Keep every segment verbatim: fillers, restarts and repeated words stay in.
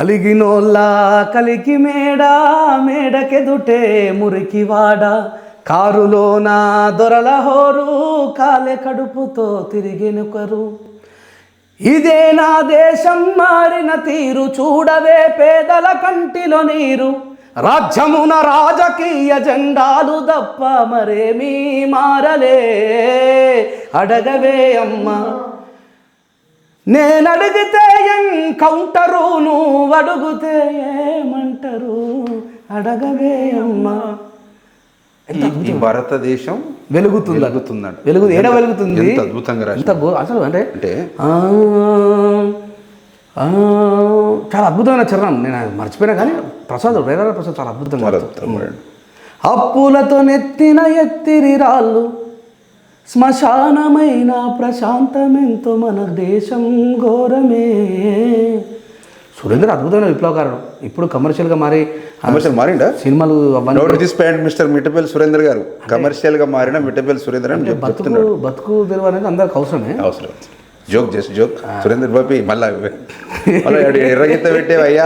కలిగినోళ్ళ కలికి మేడ మేడకెదుటే మురికివాడ కారులోన దొరల హోరు కాలే కడుపుతో తిరిగినొకరు. ఇదే నా దేశం మారిన తీరు చూడవే పేదల కంటిలో నీరు. రాజ్యమున రాజకీయ జెండాలు తప్ప మరేమీ మారలే. అడగవే అమ్మా నేనడిగితే ఎన్కౌంటరు, నువ్వు అడుగుతే ఏమంటారు. అడగవే అమ్మా. ఈ భారతదేశం వెలుగుతుంది వెలుగుతుందంట. వెలుగు ఏడ వెలుగుతుంది. ఎంత అద్భుతంగా రాసి అసలు అంటే అంటే చాలా అద్భుతమైన చరణం. నేను మర్చిపోయినా కానీ ప్రసాద్ రేరాల ప్రసాద్ చాలా అద్భుతంగా. అప్పులతో నెత్తిన ఎత్తిరి రాళ్ళు శ్మశానమైన ప్రశాంతమెంతో మన దేశం ఘోరమే. సురేంద్ర అద్భుతమైన విప్లవకారుడు. ఇప్పుడు కమర్షియల్గా మారి కమర్షియల్ మారిండా సినిమాలు మిస్టర్ మిట్టపల్లి సురేందర్ గారు కమర్షియల్గా మారిన మిట్టపల్లి సురేందర్ అని బతుకు బతుకు తెరువు అనేది అందరికి అవసరమే. అవసరం. Joke just joke. Surender Bobby మళ్ళా ఎర్రగీత పెట్టేవయ్యా.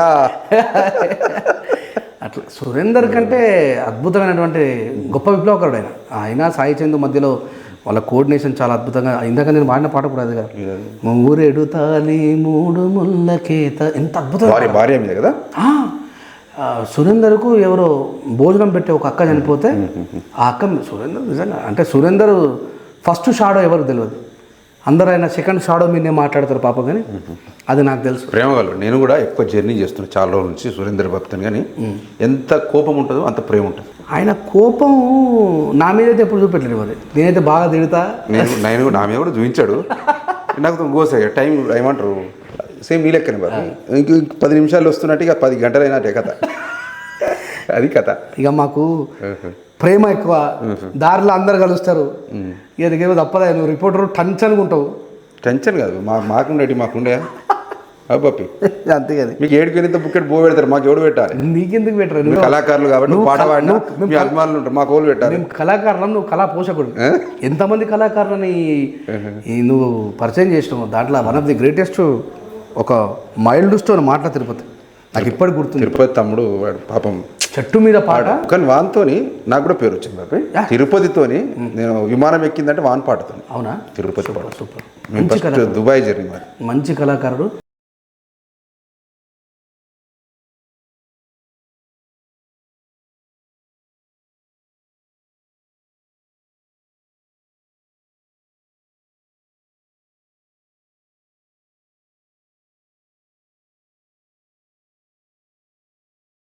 అట్లా సురేందర్ కంటే అద్భుతమైనటువంటి గొప్ప విప్లవకారుడు ఆయన. ఆయన సాయి చందు మధ్యలో వాళ్ళ కోఆర్డినేషన్ చాలా అద్భుతంగా. ఇందాక నేను వాడిన పాట కూడా అది కదా, మూరెడు తాలి మూడు ముళ్ళకేత. ఎంత అద్భుతం. భార్య మీద కదా. సురేందర్కు ఎవరో భోజనం పెట్టే ఒక అక్క చనిపోతే ఆ అక్క సురేందర్ నిజంగా అంటే సురేందర్ ఫస్ట్ షాడో ఎవరికి తెలియదు. అందరూ ఆయన సెకండ్ షాడో మీదే మాట్లాడతారు పాప, కానీ అది నాకు తెలుసు. ప్రేమగలరు. నేను కూడా ఎక్కువ జర్నీ చేస్తున్నాను చాలా రోజుల నుంచి సురేందర్ భక్తుని. కానీ ఎంత కోపం ఉంటుందో అంత ప్రేమ ఉంటుంది. ఆయన కోపం నా మీద అయితే ఎప్పుడు చూపెట్టలేదు. మరి నేనైతే బాగా తిడతా. నేను నేను నా మీద కూడా చూపించాడు. నాకు గోసాయి టైం ఏమంటారు సేమ్ ఈ లెక్కనే బాబు. ఇంక పది నిమిషాలు వస్తున్నట్టు ఇక పది గంటలు అయినట్టే కథ. అది కథ. ఇక మాకు ప్రేమ ఎక్కువ. దారిలో అందరు కలుస్తారు. ఇక నీకేమో తప్పదా, నువ్వు రిపోర్టర్ టెన్షన్గా ఉంటావు. టెన్షన్ కాదు మా మాకుండేటి మాకుండే అబ్బాపి అంతే కదా. మీకు ఏడుకి ఎంత బుక్కెట్ బో పెడతారు, మాకు ఎవడు పెట్టాలి? నీకెందుకు పెట్టరు? నువ్వు కళాకారులు కాబట్టి నువ్వు పాట పాడినా మీ అభిమానులు ఉంటారు, మాకు ఓళ్ళు పెట్టాలి. మేము కళాకారులం, నువ్వు కళా పోషకుడు. ఎంతమంది కళాకారులని నువ్వు పరిచయం చేసినావు. దాంట్లో వన్ ఆఫ్ ది గ్రేటెస్ట్ ఒక మైల్డ్ స్టోన్ మాటల తిరుపతి నాకు ఇప్పటికి గుర్తుంది. తిరుపతి తమ్ముడు వాడు పాపం చెట్టు మీద పాట. కానీ వాన్తోని నాకు కూడా పేరు వచ్చింది బాబాయ్. తిరుపతితోని నేను విమానం ఎక్కిందంటే వాన్ పాటతో. అవునా? తిరుపతి పాట సూపర్. Dubai journey. మంచి కళాకారుడు.